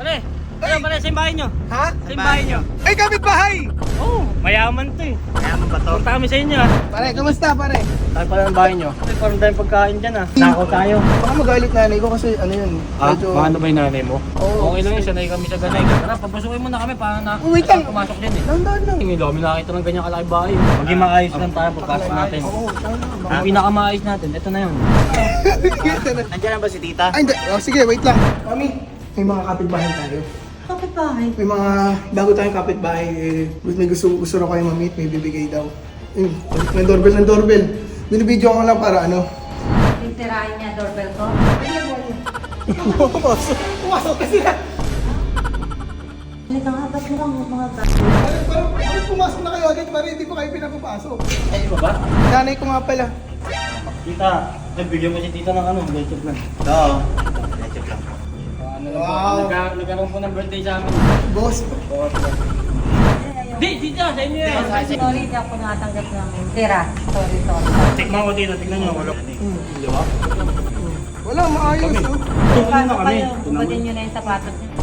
Pare, pare, sa bahay nyo. Ha? Sa bahay nyo. Ay, kapitbahay! Oo, mayaman to eh. Mayaman ba to? Punta kami sa inyo ah. Pare, kamusta pare? Tayo pala ng bahay nyo. Ay, parang tayong pagkain dyan ah. Nakaw tayo. Baka magalit nanay ko kasi ano yun. Paano ba yung nanay mo? Oo. Okay lang yun, sanay kami sa ganay. Tara, papasukin mo na kami para na Wait lang. pumasok dyan eh. Dahan-dahan lang. Hindi kami nakakita ng ganyang kalaki bahay. Maging maayos lang tayo pagpasok natin. Oo, tama. Ang pinakamaayos natin, ito na yun. Nandiyan na ba si tita? Ay, hindi. Oh, sige, wait lang. Mami, may mga kapitbahay tayo. Kapit-bahay. May mga bago tayong kapitbahay. May gusto raw kayo mamit, may bibigay daw. May doorbell. Binibidyo ko lang para ano. Titirahin niya doorbell ko. Pumasok kasi na. Halika nga, ba't mo lang mga bata? Parang pumasok na kayo agad, parang hindi pa kayo pinapapasok. Ay, ba ba? Nanay ko nga pala. Tita, bigyan mo si tita ng ano, leche plan. Oo. Medyo lang. Wow. Nagkaroon po ng birthday sa amin. Boss. Di, tita, sa inyo yan. Sorry, di ako nakatanggap ng tira. Sorry. Tikman ko dito, tignan nyo. Di ba? Wala, maayos. Oh. Tukunin na Paano kami. kayo? Ubatin nyo na yung sapatos niyo.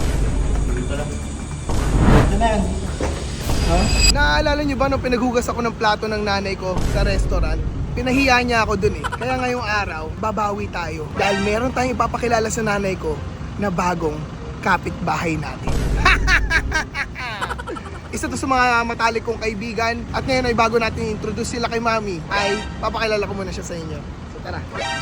Ito na yan. Naaalala niyo ba nung pinaghugas ako ng plato ng nanay ko sa restaurant? Pinahiya niya ako dun eh. Kaya ngayong araw, babawi tayo. Dahil meron tayong ipapakilala sa nanay ko na bagong kapitbahay natin. Isa to sa mga matalik kong kaibigan. At ngayon ay bago natin introduce sila kay Mami, ay papakilala ko muna siya sa inyo. So tara.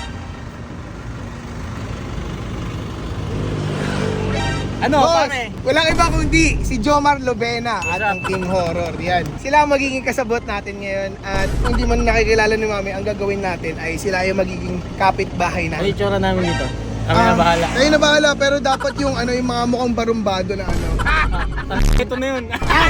Ano, Boss, pare? walang iba kundi si Jomar Lovena at ang King Horror. Yan. Sila ang magiging kasabot natin ngayon. At kung di man nakikilala ni Mami, ang gagawin natin ay sila yung magiging kapitbahay Ano natin. yung tsura namin dito? Kami na bahala. Kayo na bahala, pero dapat yung ano yung mga mukhang barumbado na ano. Ito na yun.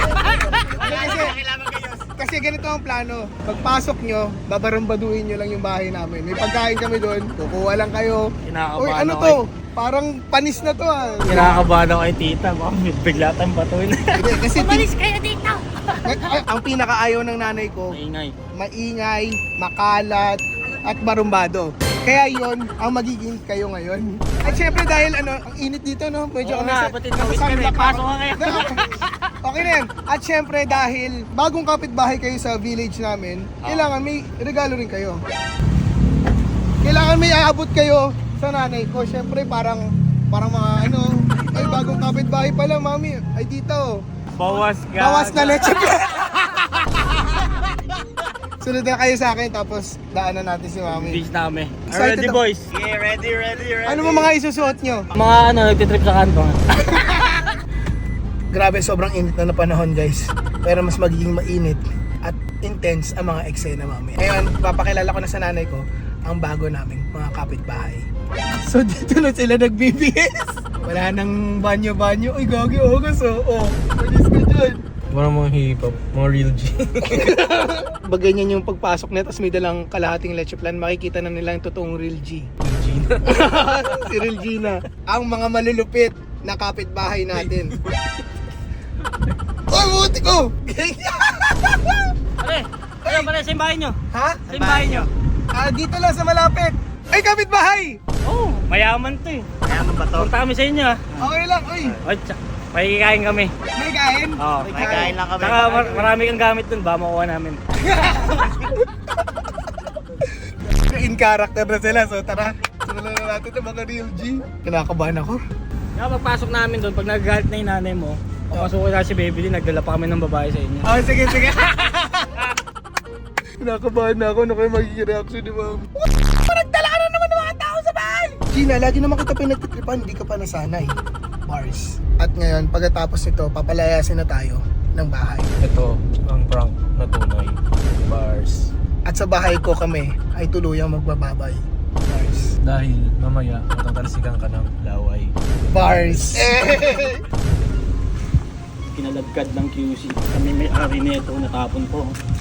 Kasi ganito ang plano. Pagpasok nyo, babarumbaduhin nyo lang yung bahay namin. May pagkain kami doon, kukuha lang kayo. Kinakabahan Uy, ano ako to? Parang panis na to ah. Kinakabahan ako kay tita. Baka bigla tayong batuin. Hindi, kasi kayo dito! ang pinakaayaw ng nanay ko, Maingay. maingay, makalat, at barumbado. Kaya yon ang magiging kayo ngayon. At syempre dahil ano, ang init dito no, medyo Oo nga, pati tawid ka na eh. sunblock Pasok ako. ka ngayon. Okay na yan. At syempre dahil bagong kapitbahay kayo sa village namin, kailangan may regalo rin kayo. Kailangan may aabot kayo sa nanay ko. Syempre parang mga ano, ay bagong kapitbahay pala mami. Ay dito. Bawas ka. Bawas na leche. Sunod na kayo sa akin tapos daanan natin si mami. Beach na kami. Excited Ready ako. boys. Yeah, ready. Ano mo mga isusuot nyo? Mga ano, nagtitrip sa kanto. Grabe, sobrang init na panahon guys. Pero mas magiging mainit at intense ang mga eksena mami. Ngayon, papakilala ko na sa nanay ko ang bago naming mga kapitbahay. So dito na sila nagbibihis. Wala nang banyo-banyo. Uy, gagi, ogas oh. Malis ka dyan. Mga hip-hop, mga real G. Pag ganyan yung pagpasok na, tapos may dalang kalahating leche plan, makikita na nila yung totoong real G. Si Real Gina. Ang mga malulupit na kapitbahay natin. Oy, buti ko! Pare, sa bahay nyo. Ha? Sa bahay nyo. Dito lang sa malapit. Ay, kapitbahay! Oo, mayaman to eh. Mayaman ba to? Punta kami sa inyo ah. Okay lang, uy. Oy, pakikain kami. May kain? Oo. May kain lang kami. Saka marami kang gamit dun, ba makuha namin. In character na sila, so tara. Simulan na natin ng mga real G. Kinakabahan ako. Kaya pagpasok namin doon, pag nagagalit na yung nanay mo, papasukin na si Baby din, nagdala pa kami ng babae sa inyo. Oh, sige. Kinakabahan na ako, ano kayo magiging reaction ni ma'am? Nagdala ka na naman ng mga tao sa bahay! Gina, lagi naman kita pinagtitripan, hindi ka pa nasanay. Bars. At ngayon, pagkatapos nito, papalayasin na tayo ng bahay. Ito ang prank na tunay. Bars. At sa bahay ko kami ay tuluyang magbababay. Bars. Dahil mamaya matatalsikan ka ng laway. Bars. Kinalagkad ng QC. Kami may ari nito, natapon po.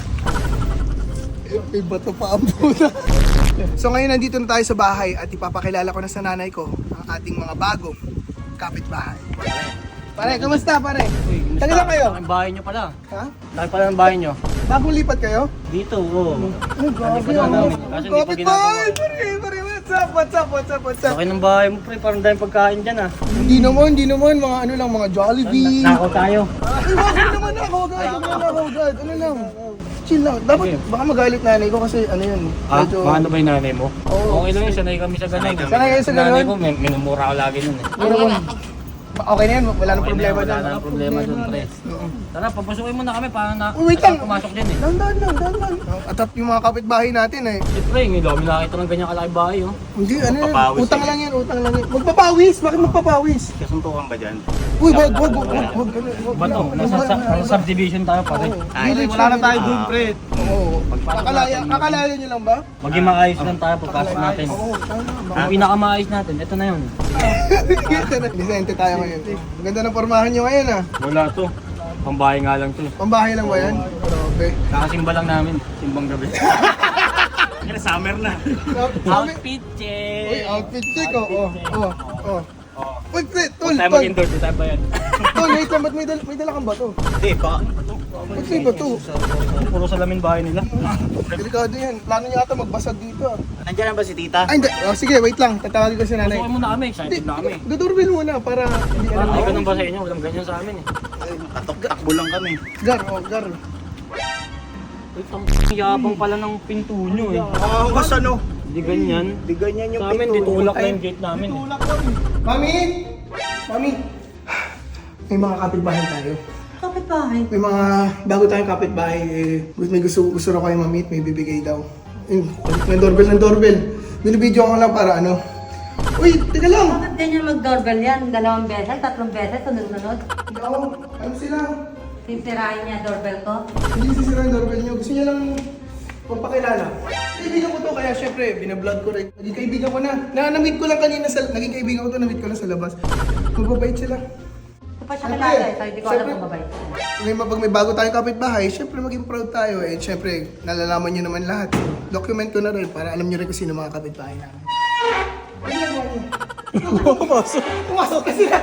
May bato pa ang puta. So ngayon nandito na tayo sa bahay at ipapakilala ko na sa nanay ko ang ating mga bagong kapitbahay. Pare, kamusta pare? Taga lang kayo? Ang bahay nyo pala. Ha? Laki pala ng bahay nyo. Bagong lipat kayo? Dito, oo. Ay, grabe pa na ako. namin. Kasi hindi pa Kapitbahay! ginagawa. Pare, What's up? Laki ng bahay mo, pre. Parang dahil pagkain dyan, ah. Hindi naman, mga ano lang, mga Jollibee. Nako tayo. Ay, wag naman ako agad. Ano lang. Chill lang. Dapat, Okay. baka magalit nanay ko kasi ano yun. Ah, medyo- ano ba yung nanay mo? Oo. Okay lang yun, sanay kami sa ganun. Sanay kayo sa ganun? Nanay ko, minumura ko lagi nun, eh. Ano naman? Okay na yan, wala nang Okay problema na, wala dyan. nang problema dun, pre. Oo. Tara, papasukin mo na kami para na Uy, wait lang. pumasok din, eh. Dahan. At yung mga kapitbahay natin eh. Siyempre, ngayon kami nakita ng ganyang kalaki bahay, oh. Hindi, ano yan? Magpapawis Utang eh. lang yan. Magpapawis? Bakit magpapawis? Kasuntukan ba dyan? Uy, wag. Ba to? Nasa subdivision tayo, pare. Ay, wala na tayo dun, pre. Oo. Kakalaya nyo lang ba? Maging maayos lang tayo pagpasok natin. Oo, tama. Ang pinakamaayos natin, ito na yun. Disente tayo ngayon. Ganda ng pormahan nyo ngayon ah. Wala to. Pambahay nga lang to. Pambahay lang ba yan? Grabe. Kakasimba lang namin, simbang gabi. Kaya summer na. Outfit Uy, check! outfit check oh. Uy, pre, tol. Huwag tayo mag-indoor, di tayo ba yan? Tol, wait lang, ba't may dala kang bato? Hindi, baka. Ba't may bato? Puro salamin bahay nila. Delikado yan. Plano niya ata magbasag dito ah. Nandiyan na ba si tita? Ay, hindi. Oh, sige, wait lang. Tatawagin ko si nanay. Pasukin mo na kami, excited na kami. Dodoorbell muna para hindi Parang alam. tayo ganun ba sa inyo? Walang ganyan sa amin, eh. Takbo lang kami. Gar. Wait, ang yabang pala ng pinto nyo, eh. Mas ano? Hindi ganyan. Di ganyan yung Sa amin, pinto. ditulak na yung gate namin, eh. Mami! May mga kapitbahay tayo. Kapit-bahay. May mga bago tayong kapitbahay. May gusto raw kayo mamit, may bibigay daw. May doorbell. Binibidyo ko lang para ano. Uy, teka lang! Bakit ganyan mag-doorbell yan? 2 beses, 3 beses, sunod-sunod? Oo, ano sila? Sisirahin niya doorbell ko? Hindi sisira yung doorbell nyo. Gusto niya lang magpakilala. Kaibigan ko to, kaya syempre, binablog ko rin. Naging kaibigan ko na. Na-meet ko lang kanina naging kaibigan ko to, na-meet ko lang sa labas. Magbabait sila. Ito pa siya kilala eh, so hindi ko alam kung babay. Pag may bago tayong kapitbahay, syempre maging proud tayo eh. Syempre, nalalaman nyo naman lahat. Document ko na rin para alam nyo rin kung sino mga kapitbahay namin. Pumasok ka sila!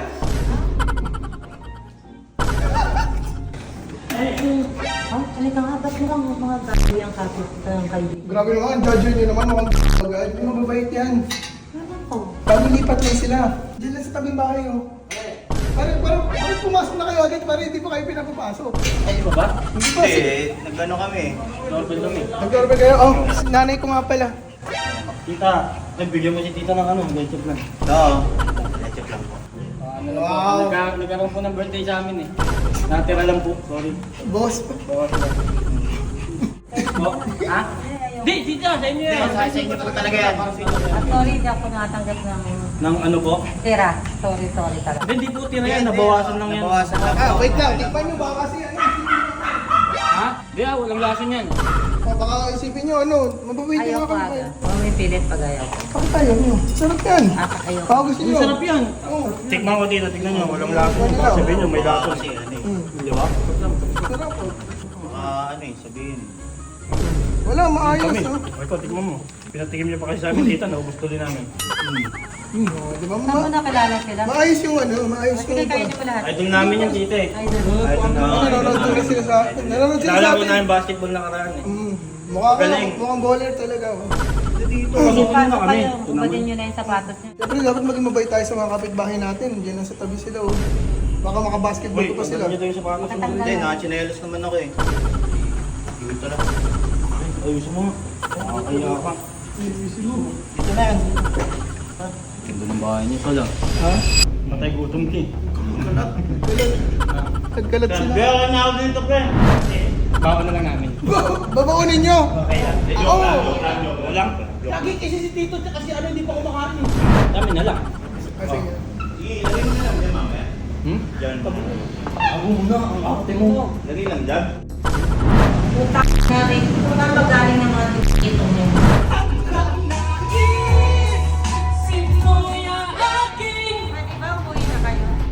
Oh, halika nga, ba't mo lang mga gabi ang kapit ng kaibigan? Grabe naman, judge nyo naman, mukhang agad. Hindi mababait yan. Ano ko? Bago lipat lang sila. Diyan lang sa tabing bahay oh. Parang pumasok na kayo agad, parang hindi pa kayo pinapapasok. Ay, iba ba? Hindi pa, Nagano kami. Doorbell kami. nag-doorbell kayo? Oh, nanay ko nga pala. Tita, bigyan mo si tita ng ano, ketchup lang. Oo. Check lang po. Ano lang Wow. po, nagkaroon po ng birthday sa amin, eh. Natira lang po, sorry. Boss, Oh, ha? Di, tita, sa inyo yan. Sa inyo po talaga yan. Ah, sorry, hindi ako natanggap ng Nang ano po? tira. Sorry talaga. Hindi po tira yan, nabawasan lang yan. Nabawasan lang. wait lang, tikman nyo baka kasi ano. Ha? Di walang lason yan. Baka isipin nyo ano, mababait nyo Ayaw nga ko kami. aga. Huwag may pilit pag ayaw ko. Bakit ayaw nyo? Sarap yan. Ayaw ko. Baka gusto Ang nyo. sarap yan. Oo. Tikman ko tita, tignan nyo, walang lason. Baka sabihin nyo, may lason. Kasi ano eh. Di ba? Sarap oh. Ano eh, sabihin. Wala, maayos Kami. oh. Ay ko, tignan mo. Pinatikim niyo pa kasi sa amin tita, naubos tuloy namin. Oh, di ba Saan mo nakilala sila? maayos yung ano, maayos yung... Sige, kayo niyo po lahat. Idol namin yan tita, eh. Ay, doon. Idol namin. Nanonood din sila sa atin. Nanonood sila sa Nalaro atin. namin basketball nakaraan, eh. Mukhang baller talaga oh. Dito, Sige, pasukin mo na pasok kami. kayo. Ito naman. Upadin niyo na yung sapatos niyo. Siyempre, dapat maging mabait tayo sa mga kapitbahay natin. Diyan lang sa tabi sila oh. Baka makabasketball Uy, ko pa sila. tanggalin niyo tayo sa panos. Matanggal. Hindi, nakachinelos naman ako eh. Dito lang. Ayusin mo. Nakakaya ka. Dito na yan. Ganda ng bahay niyo pala. Ha? Matay gutom ki. Nagkalat sila. Kaya ka na ako dito, pre. Baon na lang namin. Babaunin nyo! Okay lang. Oo! Walang. Lagi kasi si Tito kasi ano hindi pa kumakain. Dami na lang. Kasi Ilagay mo na lang dyan, mamaya. Hmm? Dyan. Ako muna, ang ate mo. Lagay lang dyan. Namin, kung saan ba galing ng mga